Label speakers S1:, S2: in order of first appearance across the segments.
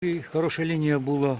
S1: І хороша лінія була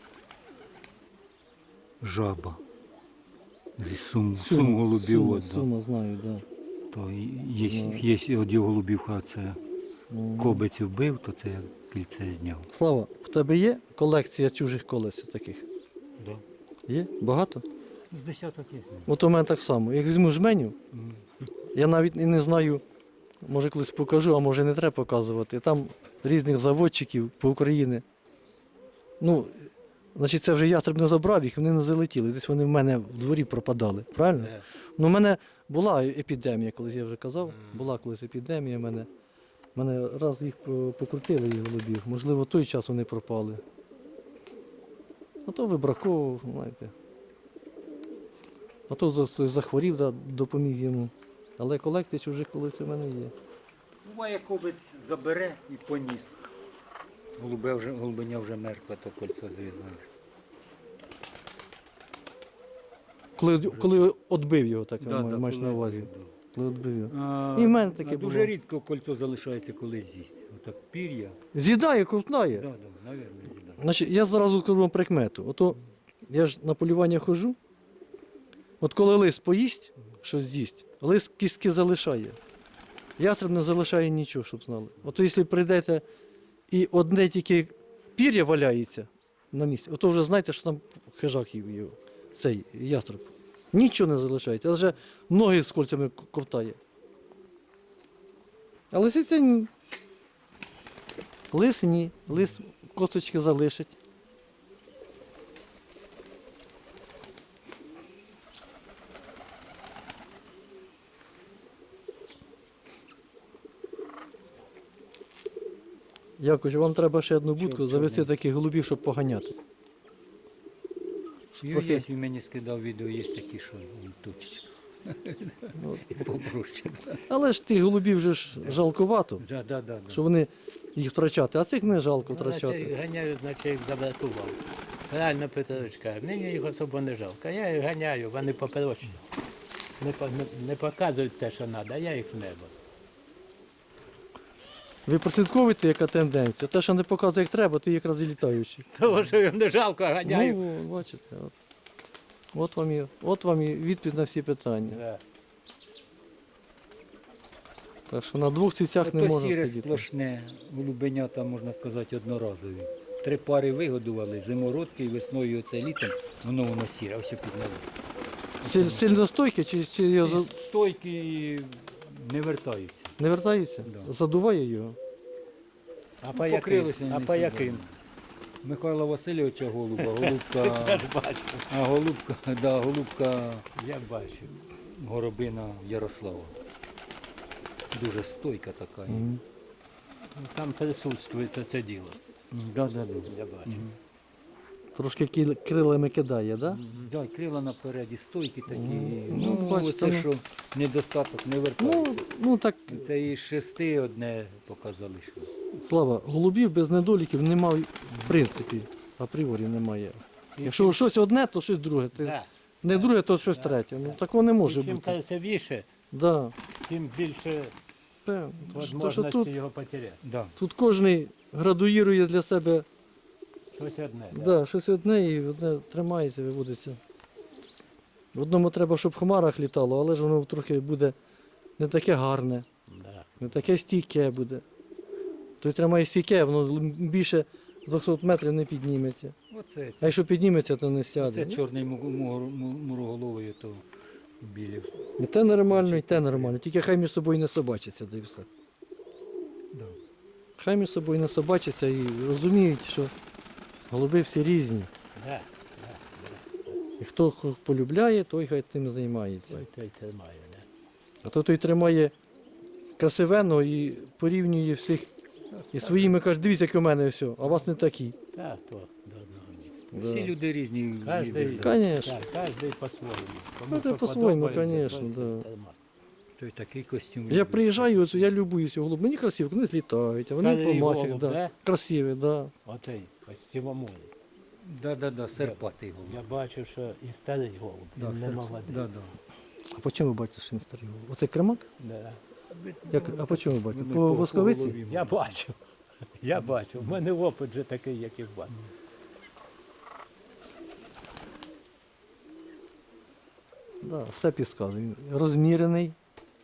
S1: жаба. Зі сум голубів.
S2: Сума, знаю, так. Да.
S1: То є от голубівка, це кобиць вбив, то це я кільце зняв.
S2: Слава, в тебе є колекція чужих колес таких?
S1: Да.
S2: Є? Багато?
S1: З десяток є.
S2: От у мене так само. Як візьму жменю, я навіть і не знаю, може колись покажу, а може не треба показувати. Там різних заводчиків по Україні. Ну, значить, це вже ястреб не забрав їх, вони не залетіли. Десь вони в мене в дворі пропадали. Правильно? Ну, в мене була епідемія, колись я вже казав. Була колись епідемія в мене. Мене раз їх покрутили, їх голубів. Можливо, в той час вони пропали. А то вибраковував, знаєте. А то захворів, да, допоміг йому. Але колекція чужих колись у мене є.
S1: Буває, кобець забере і поніс. Голубиня вже мертва, то кольцо зв'язане.
S2: Коли відбив його, так
S1: Да,
S2: маєш на увазі.
S1: відбив, да.
S2: Коли відбив його. І в мене таке було.
S1: Дуже рідко кольцо залишається, коли з'їсть. Отак пір'я.
S2: З'їдає, ковтнає.
S1: Так, мабуть, з'їдає.
S2: Значить, я зразу кажу вам прикмету. Ото я ж на полювання ходжу. От коли лист поїсть, щось з'їсть, лист кістки залишає. Ястреб не залишає нічого, щоб знали. Ото якщо прийдете і одне тільки пір'я валяється на місці, ото вже знаєте, що там хижак їв його, цей ястреб. Нічого не залишається, а вже ноги з кольцями ковтає. А лисиця ні. Лис ні. Лис косточки залишить. Якось, вам треба ще одну будку завести таких голубів, щоб поганяти.
S1: Є, він мені скидав відео, є такі, що він точить. І попроще.
S2: Але ж тих голубів вже ж жалкувато,
S1: Да.
S2: що вони їх втрачати, а цих не жалко втрачати.
S3: Ганяю, значить їх забракував. Реально Петрович каже, мені їх особо не жалко. Я їх ганяю, вони поперечні. Не показують те, що треба, а я їх в небо.
S2: Ви прослідковуєте, яка тенденція. Те, що не показує, як треба, ти якраз і літаючий.
S3: Того, що їм не жалко, а ганяю.
S2: Ну, бачите, от вам і відповідь на всі питання.
S3: Да.
S2: Так що на двох цвітях не
S1: То
S2: можна
S1: сіре
S2: сидіти.
S1: сплошне, голубенята, можна сказати, одноразові. 3 пари вигодували, зимородки і весною оце літом, воно сіре, ось підняли.
S2: Сильно стойкі чи його
S1: Стойки не вертаються.
S2: не вертаються?
S1: Да.
S2: Задуває його?
S3: А по яким?
S1: Покрилися
S3: А
S1: вони
S3: по
S1: всі,
S3: яким?
S1: Михайла Васильовича голуба, голубка,
S3: Я ж бачу.
S1: голубка
S3: Я бачу.
S1: Горобина Ярослава. Дуже стойка така.
S3: Ну, там присутствує це діло.
S1: Да.
S3: Я бачу.
S2: Трошки крилами кидає, так? Да?
S1: Да, крила напереді, стойки такі.
S2: Ну, бачите,
S1: це
S2: ну.
S1: що недостаток, не вертається.
S2: Ну так,
S1: Це із 6 одне показали, що.
S2: Слава, голубів без недоліків немає, в принципі, апріорі немає. Якщо щось одне, то щось друге.
S3: Да.
S2: Не друге, то щось третє. Ну такого не може
S3: І чим
S2: бути.
S3: красивіше,
S2: Да.
S3: тим більше
S2: Певно. То, що
S3: можливості його потеряти.
S1: Да.
S2: тут кожен градуїрує для себе
S3: Щось одне.
S2: да, щось одне і одне тримається, виводиться. В одному треба, щоб в хмарах літало, але ж воно трохи буде не таке гарне,
S3: Да.
S2: не таке стійке буде. Той тримає стійке, воно більше 200 метрів не підніметься.
S1: Оце,
S2: А якщо підніметься, то не сяде.
S1: це чорний муроголовий, то білі.
S2: І те нормально, і те нормально. Тільки хай між собою не собачаться, да і все.
S1: Да.
S2: Хай між собою не собачаться і розуміють, що голуби всі різні.
S3: Да.
S2: І хто полюбляє, той хай тим займається.
S3: Той тримає. Да.
S2: А то той тримає красивенно і порівнює всіх. І своїми каже, дивіться, як у мене все, а у вас не такі.
S3: Так, то до одного місця.
S1: Всі люди різні.
S3: Кожний,
S2: Конечно.
S3: так, кожний по-своєму. Кому
S2: Ну, це
S3: що
S2: по-своєму,
S3: подобається,
S2: конечно,
S3: той
S2: да.
S3: тримає.
S1: Той такий костюм.
S2: Я приїжджаю, оце, я любуюся голуб. Мені красиво, вони злітають, а вони
S3: Старий
S2: по масях.
S3: голуб,
S2: Да.
S3: да?
S2: Красиві, да.
S3: Оцей, ось сівомолі.
S1: Да, серпатий голуб.
S3: Я бачу, що і старий голуб, він не молодий.
S1: Да.
S2: А по чому ви бачите, що він старий голуб? Оце кремак?
S3: Да.
S2: А по чому ви бачите?
S1: Вони
S2: По восковиці?
S1: голові.
S3: Я бачу. Я бачу, в мене опит вже такий, як і в вас.
S2: Да, все підказує. Він розмірений.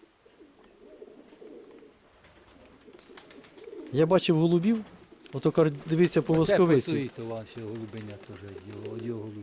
S2: Я бачив голубів, ото дивіться по
S1: Це
S2: восковиці.
S1: пасує ваші голубеня теж, його голубі.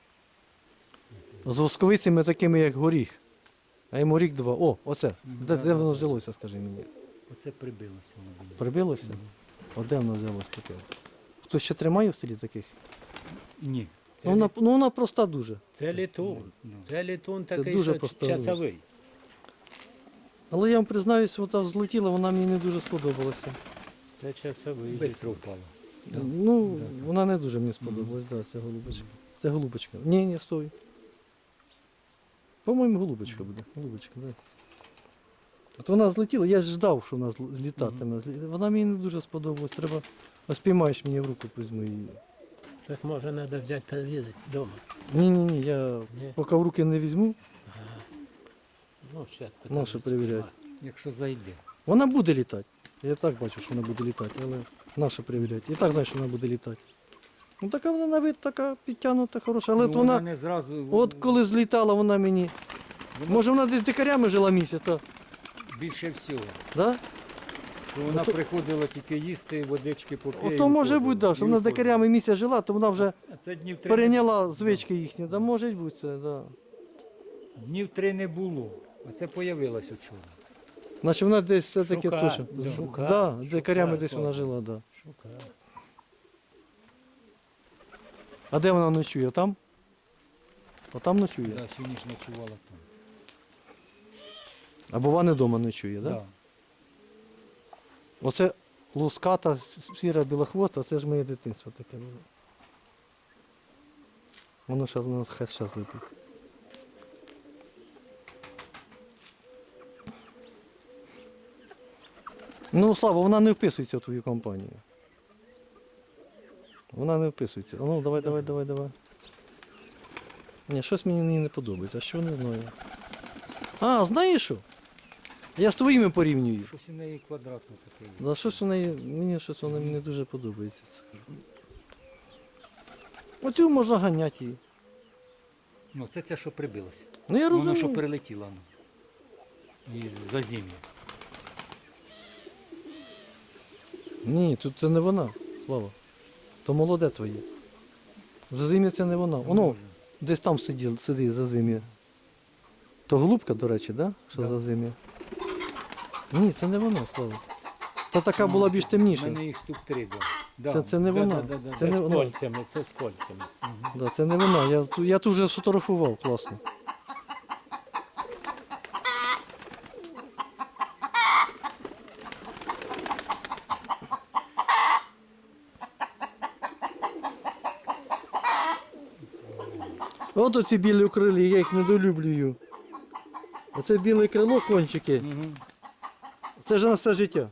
S2: З восковицями такими, як горіх. А йому рік два. О, оце. Де
S1: да,
S2: воно
S1: да.
S2: взялося, скажи мені?
S1: Оце прибилося голубеня.
S2: Прибилося? А де воно взялося таке? Хтось ще тримає в селі таких?
S1: Ні.
S2: Ну вона проста дуже.
S3: Це літун.
S1: Ну.
S3: Це літун
S2: Це
S3: такий,
S2: дуже
S3: що
S2: просто
S3: часовий.
S2: Але я вам признаюсь, вона взлетіла, вона мені не дуже сподобалася.
S3: Це часовий.
S1: Бистро впало. Да.
S2: Ну,
S1: Да,
S2: вона не дуже мені сподобалась, да, ця голубочка. Це голубочка. Ні, стой. По-моєму, голубочка буде. Голубочка, да. От вона злетіла, я ж ждав, що вона злітатиме. Вона мені не дуже сподобалась. Треба, ось піймаєш мені в руку, візьму її.
S3: Так може треба взяти перевірити вдома.
S2: Ні, я
S3: Ні?
S2: поки в руки не візьму,
S3: Ну, зараз
S2: нащо перевіряти.
S1: Якщо зайде.
S2: Вона буде літати. Я так бачу, що вона буде літати, але нащо перевіряти? І так знаю, що вона буде літати. Ну така вона на вид така підтягнута, хороша. Але
S1: Ну,
S2: от вона,
S1: не зразу.
S2: от коли злітала, вона мені. Може вона десь дикарями жила місяць, а?
S1: Більше всього.
S2: Да?
S1: Що вона
S2: Ото-
S1: приходила тільки їсти, водички попити.
S2: Ото може бути, да, що вона з дикарями місяць жила, то вона вже
S1: Це днів 3
S2: перейняла звички їхні. Да, може бути це, да.
S1: Днів 3 не було. А це появилось вчора.
S2: Значить вона десь все-таки
S3: Шукає,
S2: точно.
S3: да. Шукає,
S2: Да, з дикарями
S3: шукає,
S2: десь вона жила, да.
S3: Шукаю.
S2: А де вона ночує? Там? Отам ночує?
S1: Да, всю ніч ночувала там.
S2: Або вона вдома ночує, да?
S1: Да.
S2: Оце луската, сіра білохвоста, це ж моє дитинство таке було. Воно ще воно хай зараз летить. Ну, Слава, вона не вписується в твою компанію. Вона не вписується. А ну, давай. Ні, щось мені не подобається, а що не знаю. А, знаєш що? Я з твоїми порівнюю.
S1: Щось у неї квадратне таке.
S2: За щось у неї, мені щось вона не дуже подобається. Оцю можна ганяти її.
S1: Ну, це що прибилося.
S2: Ну я
S1: Воно що
S2: розумію.
S1: перелетіло. Ну. Із зазім'я.
S2: Ні, тут це не вона, Слава. То молоде твоє. Зазим'я це не вона. Воно десь там сидить зазим'я. То голубка, до речі, да? Що
S1: Да.
S2: зазим'я? Ні, це не вона, Слава. Та така
S1: Ну,
S2: була більш
S1: У
S2: темніша.
S1: мене їх штук 3, да.
S2: Це не вона.
S1: Да.
S2: Це
S3: Це
S2: не
S3: з
S2: воно.
S3: кольцями, це з кольцями.
S2: Да, це не вона. Я тут вже сфотографував, класно. От оці білі крилі, я їх недолюблюю. Оце біле крило, кончики,
S1: Угу.
S2: це ж на все життя.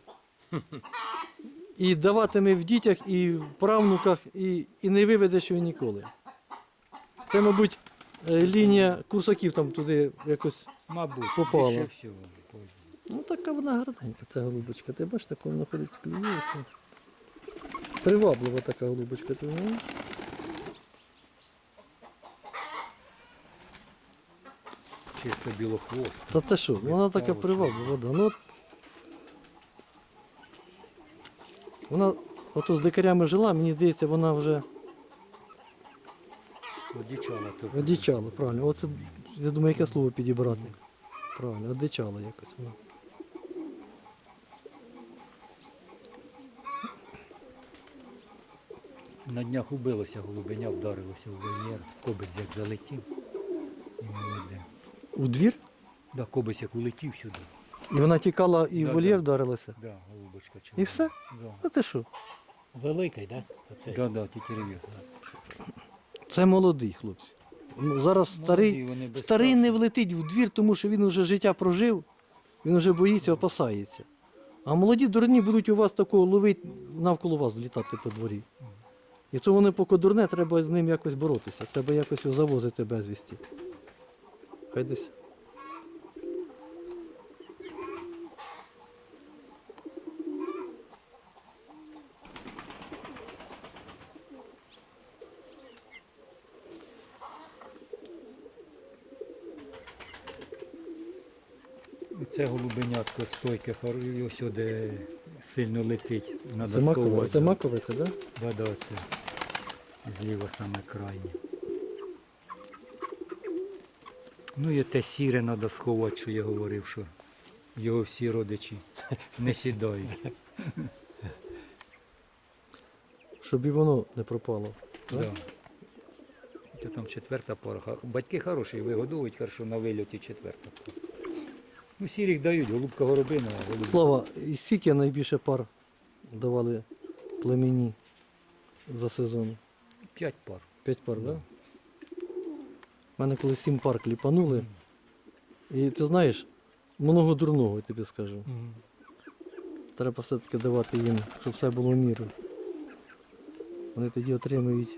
S2: І даватиме в дітях, і в правнуках, і не виведеш його ніколи. Це, мабуть, лінія курсаків там туди якось.
S1: Мабуть,
S2: Попала.
S1: більше всього.
S2: Ну така вона гарненька, ця голубочка. Ти бачиш, так вона ходить клює. Приваблива така голубочка, ти знаєш?
S1: Чисто білохвост.
S2: Та те що, вона така приваблива, да. Ну, от, вона ото з дикарями жила, мені здається, вона вже
S1: Одічала тут.
S2: одичала, правильно. Оце, я думаю, яке слово підібрати. Правильно, одичала якось вона.
S1: На днях убилося голубеня, вдарилося в вольєр. Кобець як залетів. І молоде.
S2: У двір?
S1: Да, кобець як улетів сюди.
S2: І вона тікала і в
S1: Да,
S2: вольєр
S1: да.
S2: вдарилася.
S1: Да, голубочка червона.
S2: І все?
S1: Да.
S2: А ти що?
S3: Великий, так? Да? Оцей.
S1: Да, тітєрев'я.
S2: Це молодий хлопці. Ну, зараз старий,
S1: вони без
S2: старий
S1: страху.
S2: не влетить в двір, тому що він вже життя прожив, він вже боїться, опасається. А молоді дурні будуть у вас такого ловити, навколо вас літати по дворі. І то вони поки дурне, треба з ним якось боротися, треба якось його завозити безвісті. Хай десь.
S1: Це голубенятко стойке, і ось де сильно летить. Надо
S2: Це макове,
S1: сховати.
S2: це макове, це, да?
S1: Да, це зліва саме крайнє. Ну і те сіре треба сховати, що я говорив, що його всі родичі не сідають.
S2: Щоб і воно не пропало. Да?
S1: Да. Це там четверта пара. Батьки хороші, вигодовують, хорошо на вильоті четверта пара. Ну, сірих дають, голубка горобина, а голубка.
S2: Слава, і скільки найбільше пар давали племені за сезон?
S1: 5 пар.
S2: 5 пар, так? Да? У мене коли 7 пар кліпанули. І ти знаєш, много дурного, я тобі скажу. Треба все-таки давати їм, щоб все було в міру. Вони тоді отримують.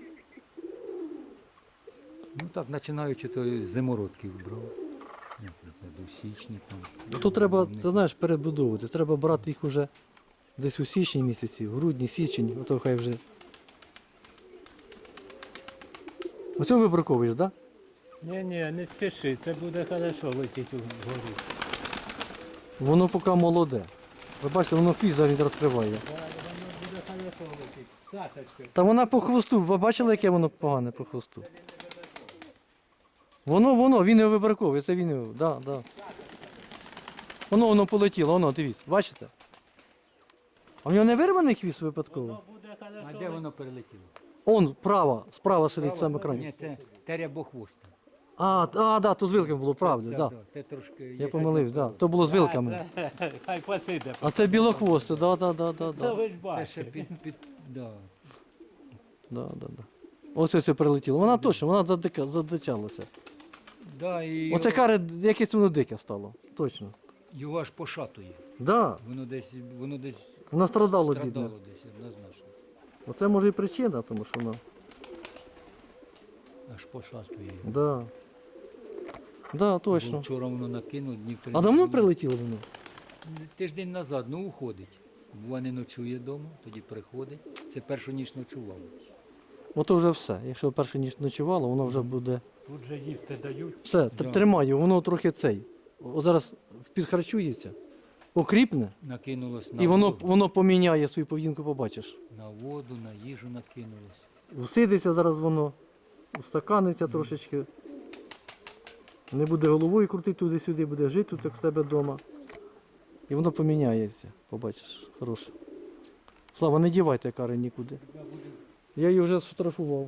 S1: Ну так, починаючи то з зимородків брав. До січні там.
S2: Ну то треба, ти знаєш, перебудовувати. Треба брати їх уже десь у січні місяці, в грудні, січень, ото хай вже. Оце вибраковуєш, так? Да?
S3: Ні, не спіши, це буде хорошо летіти вгору.
S2: Воно поки молоде. Ви бачите, воно хвіст зараз розкриває.
S3: Воно буде хорошо летіти. Сашечка.
S2: Та вона по хвосту, ви бачили, яке воно погане по хвосту? Він його вибраковує, це він його, да. Воно полетіло, дивіться, бачите? А в нього не вирваний хвіст випадково?
S3: Воно буде
S1: А
S3: хорошо
S1: де воно перелетіло?
S2: Он, справа сидить саме крайній.
S1: Ні, це терябохвоста.
S2: Да, то з вилками було, правда, да.
S1: Це трошки...
S2: Я помилився, да. То було з вилками.
S3: Хай посиде.
S2: А це білохвосте, да.
S3: Та ви ж
S1: Це
S3: бачите.
S1: ще да.
S2: Да. Ось це прилетіло. Вона точно, вона задичалася.
S1: Да, і
S2: Оце каре, якесь воно дике стало. Точно.
S1: його аж пошатує.
S2: Да.
S1: Воно десь
S2: Воно страдало
S1: страдало
S2: бідне.
S1: десь однозначно.
S2: Оце може і причина, тому що воно.
S1: Аж пошатує.
S2: Да. Да,
S1: Бо
S2: точно.
S1: вчора воно накинув, днів три.
S2: А давно прилетіло воно?
S1: Тиждень назад, ну уходить. Бува не ночує вдома, тоді приходить. Це першу ніч ночував.
S2: Ото вже все. Якщо першу ніч ночувало, воно вже буде.
S3: Тут же їсти дають.
S2: Все,
S1: Да.
S2: тримаю, воно трохи цей. О, зараз підхарчується, окріпне,
S1: Накинулось на
S2: і
S1: воду,
S2: воно поміняє свою поведінку, побачиш.
S1: на воду, на їжу накинулось.
S2: Всидиться зараз воно, устаканиться трошечки. Не буде головою крутити туди-сюди, буде жити тут, як в себе вдома. І воно поміняється, побачиш, хороше. Слава, не дівайте кари нікуди. Я її вже сфотографував.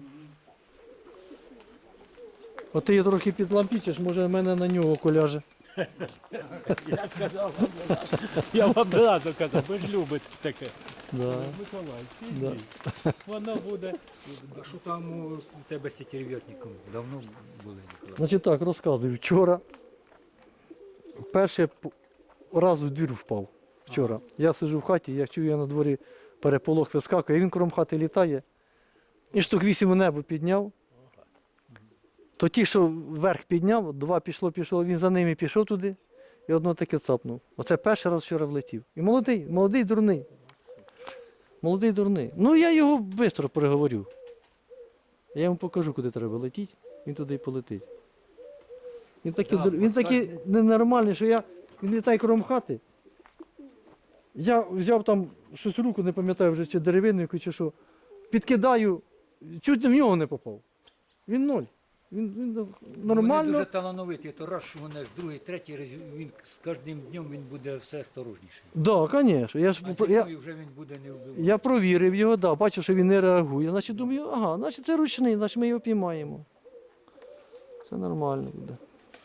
S2: От ти її трохи підлампічиш, може в мене на нього коляже.
S3: Я сказав вам одразу. Я вам одразу казав, ви ж любите таке.
S2: Да.
S3: Миколай,
S2: Да.
S3: підіть. Воно буде.
S1: А що там у тебе з сітєрв'ятником? Давно були, Ніколай?
S2: Значить так, розказую. Вчора перший раз в двір впав. Вчора. Я сиджу в хаті, я чую, я на дворі переполох вискакує, він кром хати літає. І штук 8 у небо підняв. То ті, що вверх підняв, 2 пішло, він за ними пішов туди і одно таке цапнув. Оце перший раз вчора влетів. І молодий дурний. Молодий дурний. Ну я його швидко переговорю. Я йому покажу, куди треба летіти, він туди і полетить. Він такий ненормальний, що він літає кром хати. Я взяв там щось в руку, не пам'ятаю вже, чи деревину, чи що. Підкидаю, чуть в нього не попав. Він ноль. Він нормально.
S1: Вони дуже талановиті, то раз шугунеш, другий, третій раз, він з кожним днем він буде все осторожніший.
S2: Так, звісно.
S1: А зимою вже він буде не вбивати.
S2: Я провірив його, бачу, що він не реагує. Значить, думаю, значить це ручний, значить ми його піймаємо. Все нормально буде.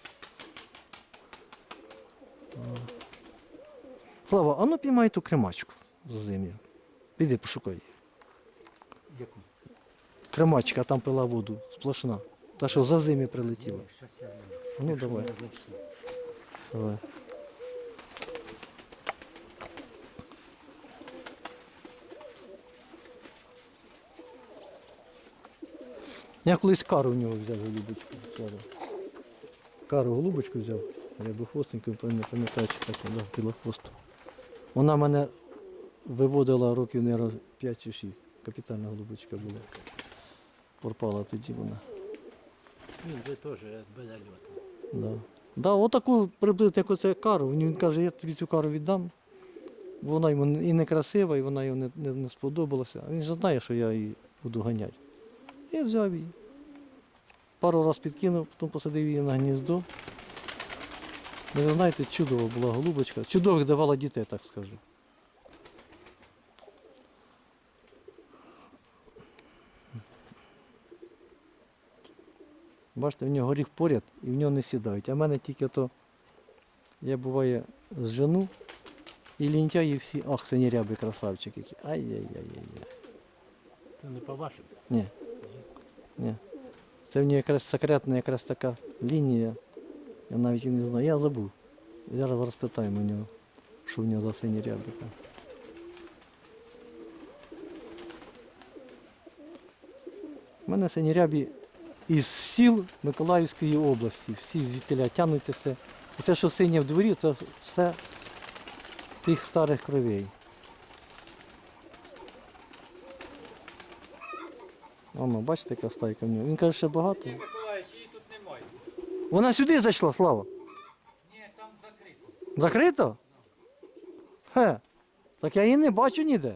S2: Слава, а ну піймай ту кремачку з зим'я. Піди пошукай її.
S1: Яку?
S2: Кремачка, там пила воду, сплошна. Та що за зим'я прилетіла.
S1: Щас я гляну.
S2: Ну
S1: Якщо
S2: давай,
S1: не знайшов.
S2: давай. Я колись кару в нього взяв голубочку. Кару голубочку взяв, рябохвостеньку, не пам'ятаю, чи так, да, білохвосту. Вона мене виводила років, мабуть, 5 чи 6. Капітальна голубочка була. Пропала тоді вона.
S3: Він же теж без зальоту.
S2: Да. Да, отаку приблизно як оце кару. Він каже, я тобі цю кару віддам. Вона йому і не красива, і вона йому не сподобалася. А він же знає, що я її буду ганяти. Я взяв її. Пару разів підкинув, потім посадив її на гніздо. Ну, ви знаєте, чудова була голубочка. Чудових давала дітей, так скажу. Бачите, в нього горіх поряд і в нього не сідають. А в мене тільки то, я буває зжену, і лінтяї всі, ах, синіряби красавчики. Ай-яй-яй-яй.
S3: Це не по-вашому.
S2: Ні. Ні. Це в нього якраз секретна якраз така лінія. Я навіть і не знаю. Я забув. Зараз розпитаємо у нього, що в нього за сині рябика. У мене сині рябі із сіл Миколаївської області. Всі звідтіля тягнуться все. І це, що синє в дворі, це все тих старих кровей. Воно, бачите, яка стайка в нього. Він каже, ще багато.
S1: Ні, Миколаївич, її тут немає.
S2: Вона сюди зайшла, Слава.
S1: Ні, там закрито.
S2: Закрито? Хе. Так я її не бачу ніде.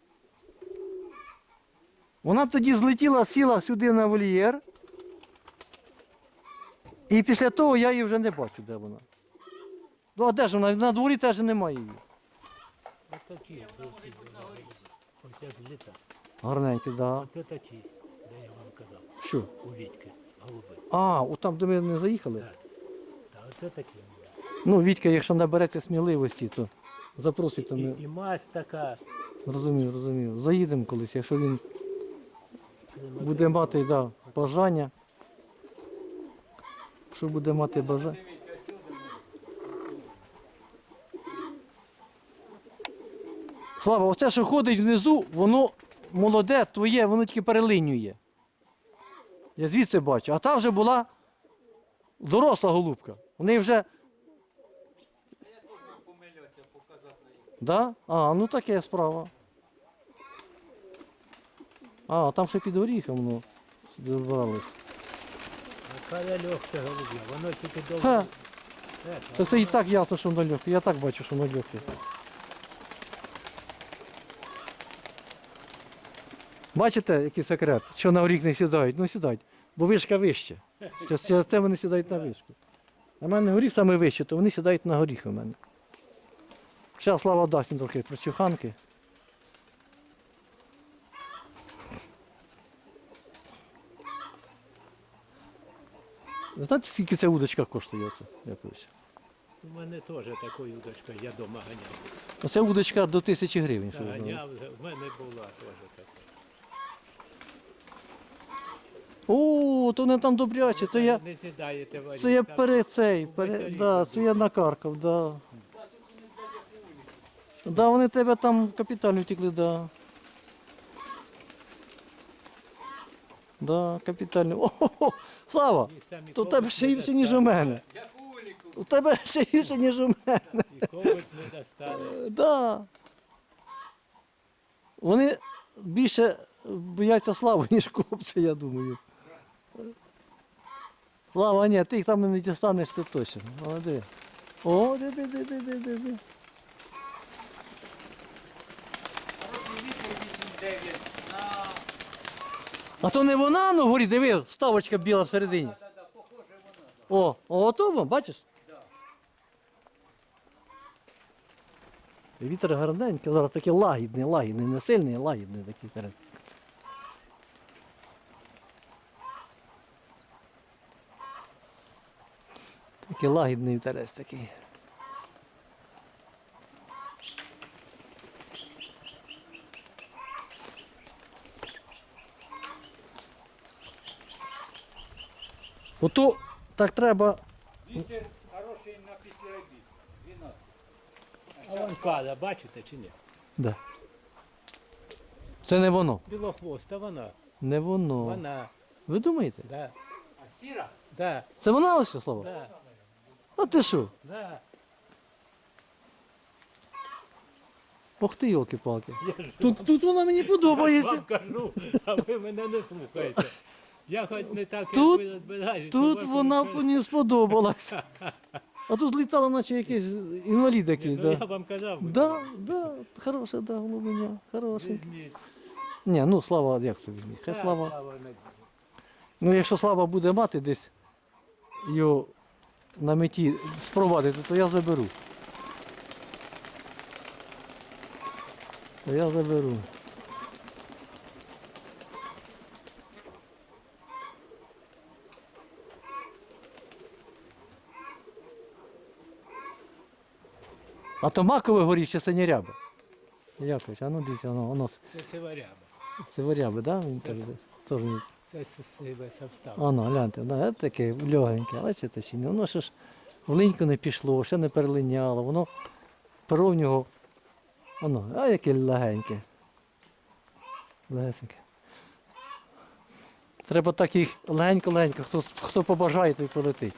S2: Вона тоді злетіла, сіла сюди на вольєр. І після того я її вже не бачу, де вона. Ну а де ж вона? На дворі теж немає її.
S3: Ось такі голубці. Ось як зліта.
S2: Гарненькі, так. Да.
S3: Оце такі, де я вам казав.
S2: Що?
S3: У Вітьки, голуби.
S2: А, от там, де ми не заїхали?
S3: Так. Так, оце такі.
S2: Ну, Вітька, якщо наберете сміливості, то запросите мене.
S3: І мазь така.
S2: Розумію, розумію. Заїдемо колись, якщо він буде мати бажання. Що буде мати бажання? Слава, оце, що ходить внизу, воно молоде, твоє, воно тільки перелинює. Я звідси бачу. А та вже була доросла голубка. Вони вже.
S1: Я теж мав помилятися, показати на їх.
S2: Да? А, ну таке справа. А, там ще під горіхом воно добралось.
S3: Яка легка голуб'я, воно тільки довго.
S2: Ха. Це і так ясно, що воно легке. Я так бачу, що воно легке. Бачите, який секрет? Що на горіх не сідають? Ну сідають, бо вишка вище. Через це вони сідають на вишку. А в мене горіх саме вище, то вони сідають на горіх у мене. Зараз Слава дасть їм трохи прочуханки. Ви знаєте, скільки ця удочка коштує? Якось?
S3: У мене теж такою удочкою, я вдома ганяв.
S2: Оце удочка до 1000 гривень. Що ви знали.
S3: Ганяв, в мене була теж така.
S2: О, то вони там добряче. Це я,
S3: Не сідаєте в
S2: це я
S3: там.
S2: це я накаркав, да. Да, вони тебе там капітально втекли, да. Да, капітально. О, Слава,
S3: Їх там і
S2: то у тебе
S3: ковбик
S2: ще
S3: не
S2: гірше, ніж у
S3: достане.
S2: мене.
S1: Як уліку.
S2: У тебе ще гірше, ніж у мене.
S3: І ковбик не достане.
S2: Да. Вони більше бояться Слави, ніж копця, я думаю. Слава, ні, ти їх там не дістанеш, це точно. Але диви. О, диви.
S1: Хороший вітер 8-9 на...
S2: А то не вона на горі, диви, вставочка біла всередині.
S1: Да, похоже вона.
S2: Ото воно, бачиш? Вітер гарненький, зараз такий лагідний, не сильний, а лагідний такий вітер. Такий лагідний вітерець такий. Ото так треба.
S1: Вітер хороший на після обід. 12.
S3: А вон пада, бачите чи ні?
S2: Да. Це не воно.
S3: Білохвоста вона.
S2: Не воно.
S3: Вона.
S2: Ви думаєте?
S3: Да.
S1: А сіра?
S3: Да.
S2: Це вона ось, Слава?
S3: Да.
S2: А ти що?
S3: Да.
S2: Ох ти, йолки-палки.
S3: Я ж
S2: Тут вона мені подобається.
S3: вам кажу, а ви мене не слухаєте. Я хоч не так, як
S2: Тут-
S3: ви розбираєтесь.
S2: Тут
S3: то
S2: вона
S3: ви-
S2: мені сподобалась. А тут злітала, наче якийсь інвалід якийсь.
S3: Ну, я
S2: Да.
S3: вам казав.
S2: Да, хороша, да, голубиня, хороший.
S3: Візьміть.
S2: Ні, ну Слава, як це візьміть? Хай
S3: Так,
S2: Слава.
S3: Слава не-
S2: Ну якщо Слава буде мати десь його на меті спровадити, то я заберу. То я заберу. А то макове горіще синірябе. Якось, а ну дивіться, воно
S3: Це сиваряба.
S2: сиворябе, да? Він
S3: Це
S2: так,
S3: с-
S2: да? Теж ні.
S3: Це сиве совстав.
S2: Воно, гляньте, да, таке легеньке, бачите чи ні? Воно ще ж в линьку не пішло, ще не перелиняло, воно перо в нього, воно, а яке легеньке. Легесеньке. Треба так їх легенько-легенько, хто побажає, той полетить.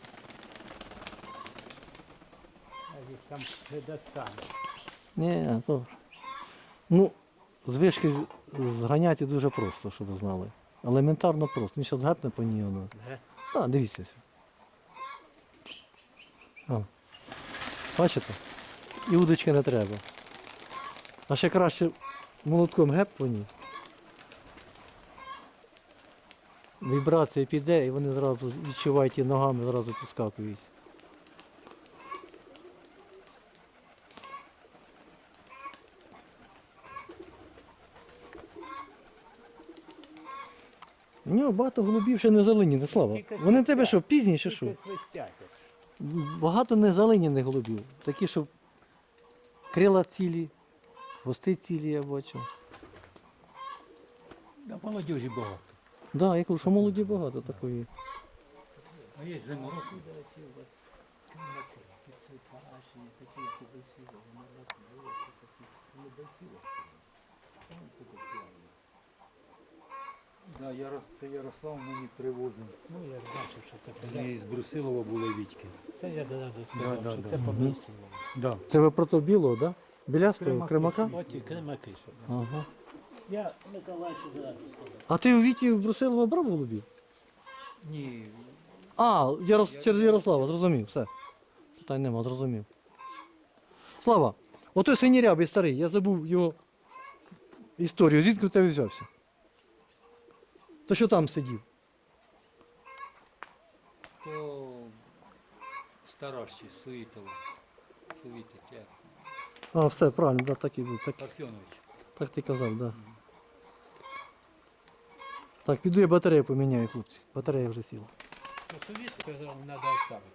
S3: А їх там не достане.
S2: Ні, то. Ну, з вишки зганяти дуже просто, щоб ви знали. Елементарно просто. Він зараз гепне по ній воно.
S3: Ге?
S2: А, дивіться. А. Бачите? І удочки не треба. А ще краще молотком геп по ній. Вібрація піде і вони зразу відчувають і ногами, зразу підскакують. У нього багато голубів ще не залиняних, Слава.
S3: Тільки
S2: Вони в тебе
S3: свистять.
S2: що, пізніше що?
S3: Тільки свистять.
S2: Багато незалиняних голубів. Такі, щоб крила цілі, хвости цілі, я бачу.
S1: Да, молодіжі багато.
S2: Так, да, я кажу, що молоді багато такої.
S1: А є зимородки. Да, це Ярослав мені привозив.
S3: Ну, я ж бачив, що це
S1: Вони з Брусилова були Вітьки.
S3: Це я одразу сказав,
S1: Да,
S3: що
S1: да,
S3: це
S1: да.
S3: побрисило.
S1: Да.
S2: Це ви про то білого, так? Да? Білястого,
S1: Кремаки.
S2: кремака?
S3: Оці кремаки, що.
S2: Ага.
S3: Я Миколаївичу зразу сказав.
S2: А ти у Віті в Брусилова брав голубів?
S1: Ні,
S2: А, через Ярослава, зрозумів, все. Питань нема, зрозумів. Слава, отой синірябий старий, я забув його історію. Звідки в тебе взявся? То що там сидів?
S1: то старащий, Суїтова. Суїтик, як?
S2: А, все, правильно, да, так і був. Так,
S1: Парфьонович.
S2: так ти казав, так. Да. Так, піду я батарею поміняю, хлопці. Батарея вже сіла.
S3: Совіт сказав, треба оставити.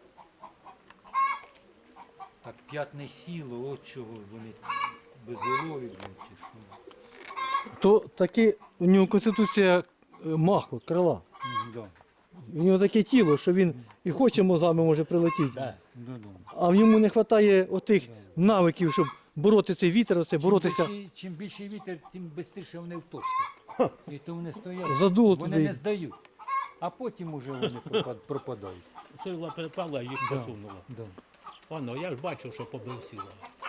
S1: Так п'ятне сіло, от чого вони безголові, блядь, чи що.
S2: То таки у нього конституція маху, крила.
S1: Да.
S2: У нього таке тіло, що він і хоче мозгами може прилетіти.
S1: Да, да.
S2: А в ньому не вистачає отих навиків, щоб бороти цей вітер, оце, боротися.
S1: Чим більший вітер, тим швидше вони вточать. І то вони стоять,
S2: Задуло
S1: вони
S2: туди.
S1: не здають. А потім уже вони пропадають.
S3: Сила припала, їх посунула.
S1: Да.
S3: Воно, я ж бачив, що побрисило.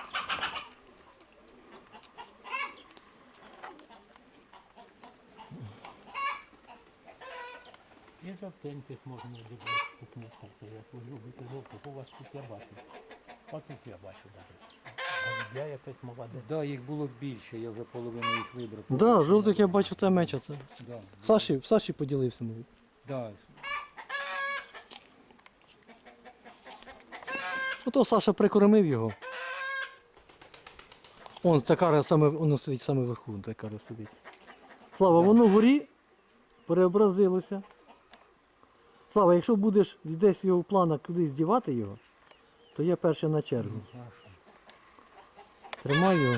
S3: І жовтеньких можна дивитися, тут нескільки, як ви любите жовтих, у вас тут я бачу. А тут я бачу навіть. Голубя якась молода.
S1: Да, їх було більше, я вже половину їх вибрав.
S2: Так, да, жовтих я бачу та меча. Це.
S1: Да.
S2: Саші поділився, мабуть.
S1: Да.
S2: Ото Саша прикормив його. Он та кара саме, воно сидить саме вверху, та кара сидить. Слава, воно вгорі переобразилося. Слава, якщо будеш десь його в планах кудись дівати його, то я перший на чергу. Тримай його.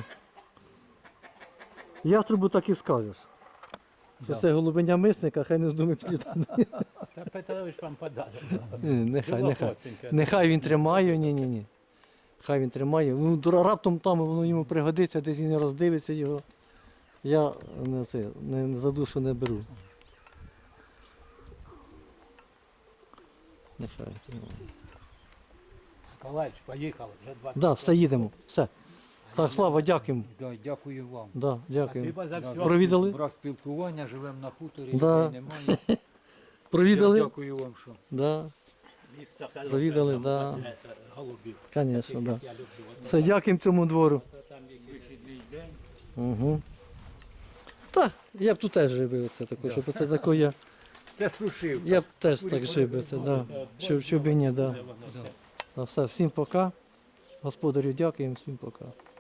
S2: Яструбу так і скажеш. Що це голубеня мисника, хай не здумає підлітати.
S3: Та Петрович вам подарок.
S2: Нехай. Нехай він тримає, ні. Хай він тримає. Ну, раптом там воно йому пригодиться, десь він не роздивиться його. Я не за душу не беру. Нехай.
S3: Миколаївич, поїхали, вже 20.
S2: Да, все їдемо. Все. Так, Слава, дякуємо.
S1: Да, дякую вам.
S2: Да, дякуємо.
S3: Спасибо за все.
S2: Провідали?
S1: Брак спілкування, живемо на хуторі,
S2: Да.
S1: людей немає.
S2: Провідали?
S1: Я дякую вам, що.
S2: Да,
S3: Місто хороше,
S2: провідали,
S3: там,
S2: да.
S3: голубів.
S2: Звісно, да.
S3: Я люблю.
S2: Все, дякуємо цьому двору.
S1: Вихідний день.
S2: Угу. Так, я б тут теж жив, оце таке, щоб це таке я.
S1: Це сушив.
S2: Я б теж так жив, би це, да. Щоб і ні, да.
S3: Воно все.
S2: Все, всім пока. Господарю дякуємо, всім пока.